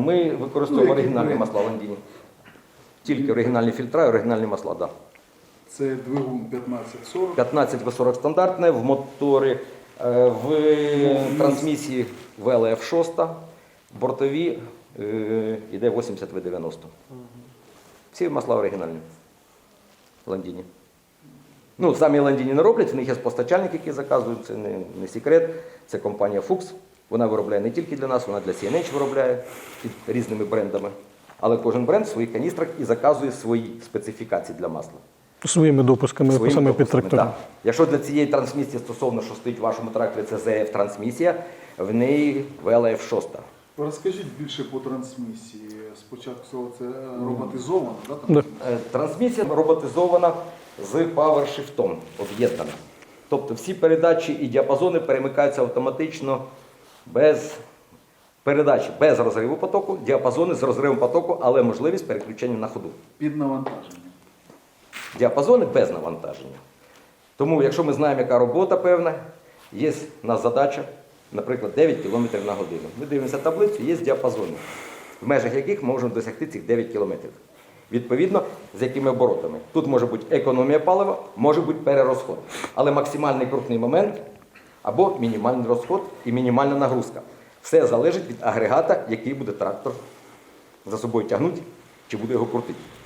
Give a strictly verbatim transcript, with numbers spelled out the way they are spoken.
Ми використовуємо Ну, які оригінальні ви- масла Ландіні. Тільки оригінальні фільтра і оригінальні масла, так. Да. Це двигун п'ятнадцять сорок. п'ятнадцять ве сорок стандартне, в моторі, е, в трансмісії ве ел еф шість, бортові е, йде вісімдесят ве дев'яносто. Всі масла оригінальні. Ландіні. Ну, самі Ландіні не роблять, в них є постачальник, який заказують, це не, не секрет. Це компанія Fuchs. Вона виробляє не тільки для нас, вона для сі ен ейч виробляє під різними брендами. Але кожен бренд в своїх каністрах і заказує свої специфікації для масла. Своїми допусками Своїми саме під допусками, трактори. так. Якщо для цієї трансмісії стосовно, що стоїть в вашому тракторі, це зет еф трансмісія, в неї ве ел еф шість. Розкажіть більше по трансмісії. Спочатку це роботизовано, да? Да. Е, Трансмісія роботизована з павершифтом, об'єднана. Тобто всі передачі і діапазони перемикаються автоматично без передачі, без розриву потоку, діапазони з розривом потоку, але можливість переключення на ходу. Під навантаженням. Діапазони без навантаження. Тому, якщо ми знаємо, яка робота певна, є в нас задача, наприклад, дев'ять кілометрів на годину. Ми дивимося таблицю, є діапазони, в межах яких ми можемо досягти цих дев'ять кілометрів. Відповідно, з якими оборотами. Тут може бути економія палива, може бути перерозход. Але максимальний крутний момент або мінімальний розход і мінімальна нагрузка. Все залежить від агрегата, який буде трактор за собою тягнути, чи буде його крутити.